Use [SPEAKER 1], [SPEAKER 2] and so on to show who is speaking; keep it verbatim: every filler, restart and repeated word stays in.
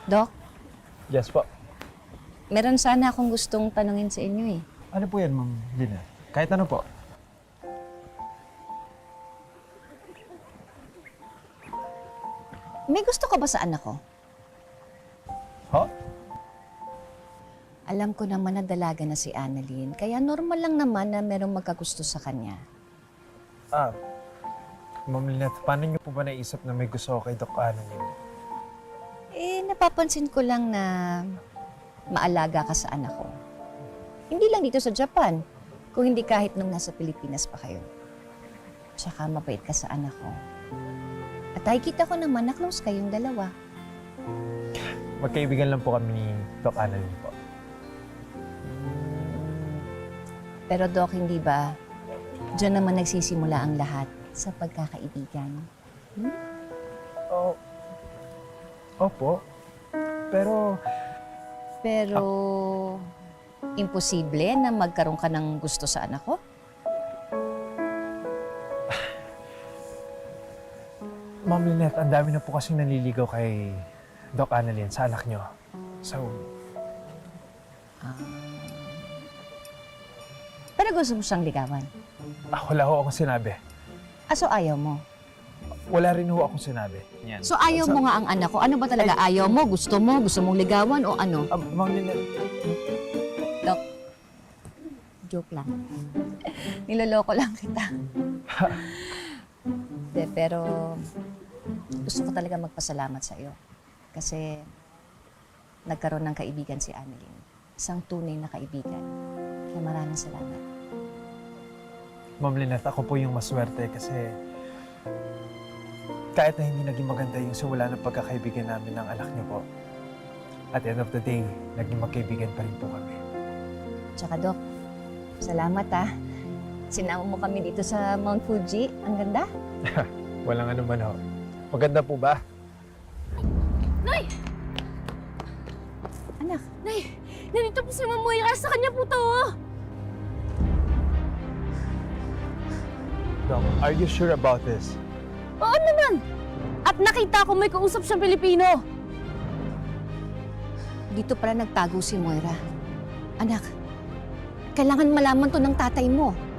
[SPEAKER 1] Doc,
[SPEAKER 2] Yes po.
[SPEAKER 1] meron sana akong gustong tanungin sa inyo eh.
[SPEAKER 2] Ano po yan, Ma'am Lina? Kahit ano po.
[SPEAKER 1] May gusto ka ba sa anak ko?
[SPEAKER 2] Ho?
[SPEAKER 1] Alam ko naman na dalaga na si Annalyn, kaya normal lang naman na merong magkagusto sa kanya.
[SPEAKER 2] Ah, Ma'am Lynette, paano niyo po ba naisip na may gusto ko kay Doc Annalyn?
[SPEAKER 1] Eh, napapansin ko lang na maalaga ka sa anak ko. Hindi lang dito sa Japan, kung hindi kahit nung nasa Pilipinas pa kayo. Tsaka mabait ka sa anak ko. At nakikita ko naman na close kayong dalawa.
[SPEAKER 2] Magkaibigan lang po kami ni Doc Annalyn po.
[SPEAKER 1] Pero Doc, hindi ba, diyan naman nagsisimula ang lahat sa pagkakaibigan? Hmm?
[SPEAKER 2] Oh, opo. Pero,
[SPEAKER 1] Pero, imposible na magkaroon ka ng gusto sa anak ko?
[SPEAKER 2] Ma'am Lynette, ang dami na po kasing nanliligaw kay Doc Annalyn sa anak niyo. So,
[SPEAKER 1] Pero gusto mo siyang ligawan?
[SPEAKER 2] ah, wala ho akong sinabi.
[SPEAKER 1] Ah, so ayaw mo?
[SPEAKER 2] Wala rin ho akong sinabi. Yan.
[SPEAKER 1] So ayaw mo nga ang anak ko? Ano ba talaga? Ayaw mo? Gusto mo? Gusto mong ligawan o ano?
[SPEAKER 2] Ah, Ma'am Lynette,
[SPEAKER 1] Doc, joke lang. Niloloko lang kita. De, pero gusto ko talaga magpasalamat sa iyo. Kasi nagkaroon ng kaibigan si Annalyn. Isang tunay na kaibigan. Kaya maraming salamat.
[SPEAKER 2] Ma'am Lynette, ako po yung maswerte kasi kahit na hindi naging maganda yung simula ng pagkakaibigan namin ng anak niyo po, at the end of the day, naging magkaibigan pa rin po kami.
[SPEAKER 1] Tsaka Doc, salamat ah. Sinama mo kami dito sa Mount Fuji. Ang ganda.
[SPEAKER 2] Walang ano man ho. Maganda po ba?
[SPEAKER 3] Nay!
[SPEAKER 1] Anak,
[SPEAKER 3] Nay! Nandito po si Ma'am Moira. Sa kanya po to. oh.
[SPEAKER 2] Doc, are you sure about this?
[SPEAKER 3] Oo naman! At nakita ko may kausap siyang Pilipino.
[SPEAKER 1] dito pala nagtago si Moira. Anak, kailangan malaman to ng tatay mo.